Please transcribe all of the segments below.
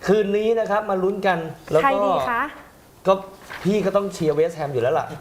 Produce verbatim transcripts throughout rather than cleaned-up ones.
คืนนี้นะครับมาลุ้นกันแล้วใครก็ดีคะก็พี่ก็ต้องเชียร์เวสต์แฮมอยู่แล้วล่ะ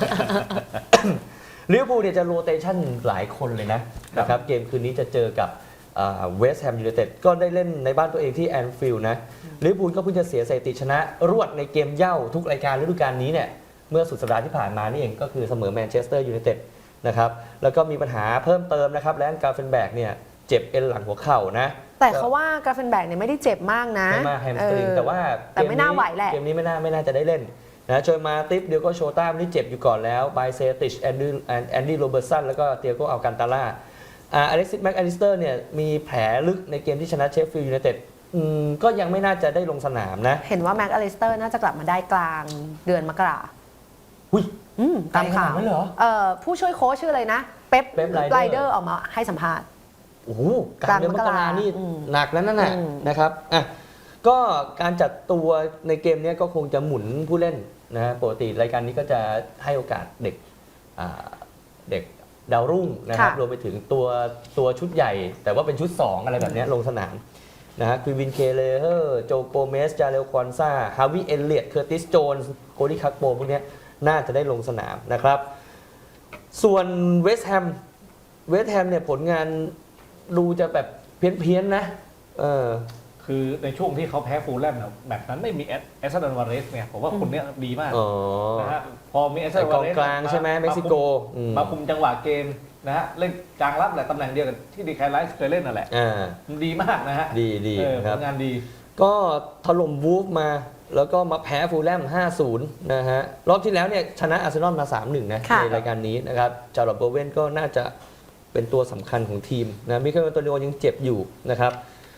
ลิเวอร์พูลเนี่ยจะโรเตชันหลายคนเลยนะนะครับเกมคืนนี้จะเจอกับเวสต์แฮมยูไนเต็ดก็ได้เล่นในบ้านตัวเองที่แอนฟิลด์นะลิเวอร์พูลก็เพิ่งจะเสียสถิติชนะรวดในเกมเหย้าทุกรายการฤดูกาลนี้เนี่ยเมื่อสุดสัปดาห์ที่ผ่านมานี่เองก็คือเสมอแมนเชสเตอร์ยูไนเต็ดนะครับแล้วก็มีปัญหาเพิ่มเติมนะครับแลนกาเฟนแบกเนี่ยเจ็บเอ็นหลังหัวเข่านะแต่เขาว่ากราเฟนแบกเนี่ยไม่ได้เจ็บมากนะไม่มากแฮมสตริงแต่ว่าแต่ไม่น่าไหวแหละเกมนี้ไม่น่าไม่น่าจะได้เล่นนะโจยมาติฟเดียวก็โชต้าที่เจ็บอยู่ก่อนแล้วไบเซติชแอนดี้แอนดี้โรเบิร์ตสันแล้วก็เตียโกอัลกันตาล่าอ่าอเล็กซิสแม็กอลิสเตอร์เนี่ยมีแผลลึกในเกมที่ชนะเชฟฟิลด์ยูไนเต็ดก็ยังไม่น่าจะได้ลงสนามนะเห็นว่าแม็กอลิสเตอร์น่าจะกลับมาได้กลางเดือนมกราหุ้ยตามข่าวเหรอเอ่อผู้ช่วยโค้ชชื่ออะไรนะเป๊ปเป๊ปไรเดอร์ออกมาให้สัมภาษณ์โอ้โหกลางเดือนมกรานี่หนักแล้วนั่นน่ะนะครับอ่ะก็การจัดตัวในเกมนี้ก็คงจะหมุนผู้เล่นนะปกติรายการนี้ก็จะให้โอกาสเด็กเด็กดาวรุ่งนะครับรวมไปถึงตัวตัวชุดใหญ่แต่ว่าเป็นชุดสองอะไรแบบนี้ลงสนามนะฮะคือวินเคเลเฮอร์โจโกเมสจาเรลควอนซาฮาวิเอลเลียตเคอร์ติสโจนส์โคดี้คักโปพวกนี้น่าจะได้ลงสนามนะครับส่วนเวสต์แฮมเวสต์แฮมเนี่ยผลงานดูจะแบบเพี้ยนๆนะเออคือในช่วงที่เขาแพ้ฟูลแลมเนี่ยแบบนั้นไม่มีเอสซันวาเรสเนี่ยผมว่าคนนี้ดีมากนะฮะพอมีเอสซันวาเรสกลางใช่ไหมเม็กซิโกมาคุมจังหวะเกมนะฮะเล่นกลางรับแหละตำแหน่งเดียวกับที่ดีแคร์ไลท์เคยเล่นนั่นแหละมันดีมากนะฮะดีดีผลงานดีก็ถล่มวูฟมาแล้วก็มาแพ้ฟูลแลม ห้าศูนย์ นะฮะรอบที่แล้วเนี่ยชนะอาร์เซนอลมา สามหนึ่ง นะในรายการนี้นะครับจาร์ลอต โบเวนก็น่าจะเป็นตัวสำคัญของทีมนะมิเคล อันโตนิโอยังเจ็บอยู่นะครับ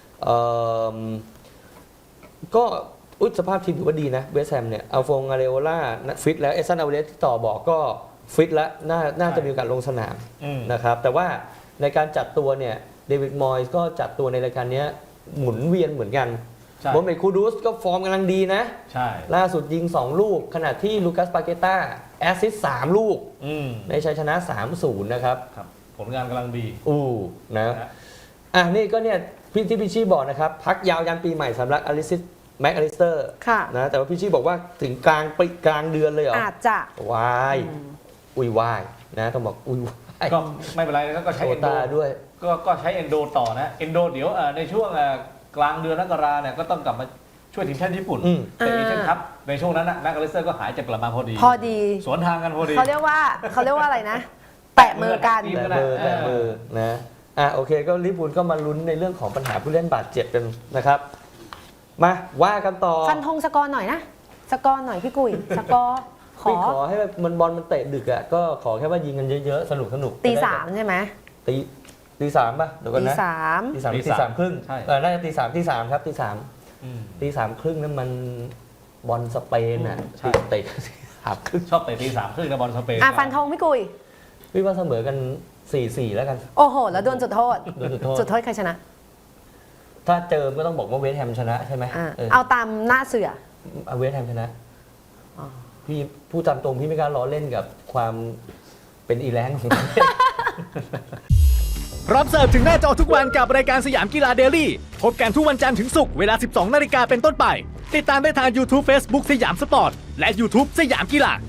ก็อุยสภาพทีมถือว่าดีนะเวสต์แฮมเนี่ยอัลฟงอาเรโอล่าฟิตแล้วเอซันอาเวเลสที่ต่อบอกก็ฟิตแล้วน่าน่าจะมีโอกาสลงสนามนะครับแต่ว่าในการจัดตัวเนี่ยเดวิดมอยส์ก็จัดตัวในรายการนี้หมุนเวียนเหมือนกันโมเมดคูดูสก็ฟอร์มกำลังดีนะล่าสุดยิงสองลูกขณะที่ลูคัสปาเกต้าแอสซิสต์สามลูกในชัยชนะ สามศูนย์ นะครับผลงานกำลังดีอู้นะอ่ะนี่ก็เนี่ยพี่ที่พี่ชี่บอกนะครับพักยาวยันปีใหม่สำหรับอลิซิสแม็กอลิสเตอร์นะแต่ว่าพี่ชี่บอกว่าถึงกลางปีกลางเดือนเลยเหรออาจจะวายอุ้ยวายนะต้องบอกอุ้ยก็ไม่เป็นไรก็ใช้เอนโดด้วยก็ก็ใช้เอนโดต่อนะเอนโดเดี๋ยวในช่วงกลางเดือนมกราเนี่ยก็ต้องกลับมาช่วยทีมชาติญี่ปุ่นแต่เอเชียนคัพในช่วงนั้นนะแม็กอลิสเตอร์ก็หายจากกลับมาพอดีพอดีสวนทางกันพอดีเขาเรียกว่าเขาเรียกว่าอะไรนะแตะมือกันแตะมือแตะมือนะอ่ะโอเคก็ลิเวอร์พูลก็มาลุ้นในเรื่องของปัญหาผู้เล่นบาดเจ็บกันนะครับมาว่ากันต่อฟันธงสกอร์หน่อยนะสกอร์หน่อยพี่กุ้ยสกอร์ขอขอให้มันบอลมันเตะดึกอ่ะก็ขอแค่ว่ายิงกันเยอะๆสนุกสนุกตีสามใช่ไหมตีตีสามป่ะเดี๋ยวกันนะตีสามตีสามตีสามครึ่งเออน่าจะตีสามตีสามครับตีสามตีสามครึ่งนั่นมันบอลสเปนอ่ะเตะสามครึ่งชอบเตะตีสามครึ่งนะบอลสเปนอ่ะฟันธงพี่กุ้ยพี่ว่าเสมอกัน สี่สี่ แล้วกันโอ้โหแล้วโดนจุดโทษโดนจุดโทษจุดโทษใครชนะถ้าเจอก็ต้องบอกว่าเวสต์แฮมชนะใช่ไหมเอาตามหน้าเสือเวสต์แฮมชนะพี่พูดตามตรงพี่ไม่กล้าล้อเล่นกับความเป็นอีแรงของพร้อมเสิร์ฟถึงหน้าจอทุกวันกับรายการสยามกีฬาเดลี่พบกันทุกวันจันทร์ถึงศุกร์เวลา สิบสองนาฬิกาเป็นต้นไปติดตามได้ทาง YouTube Facebook สยามสปอร์ตและ YouTube สยามกีฬา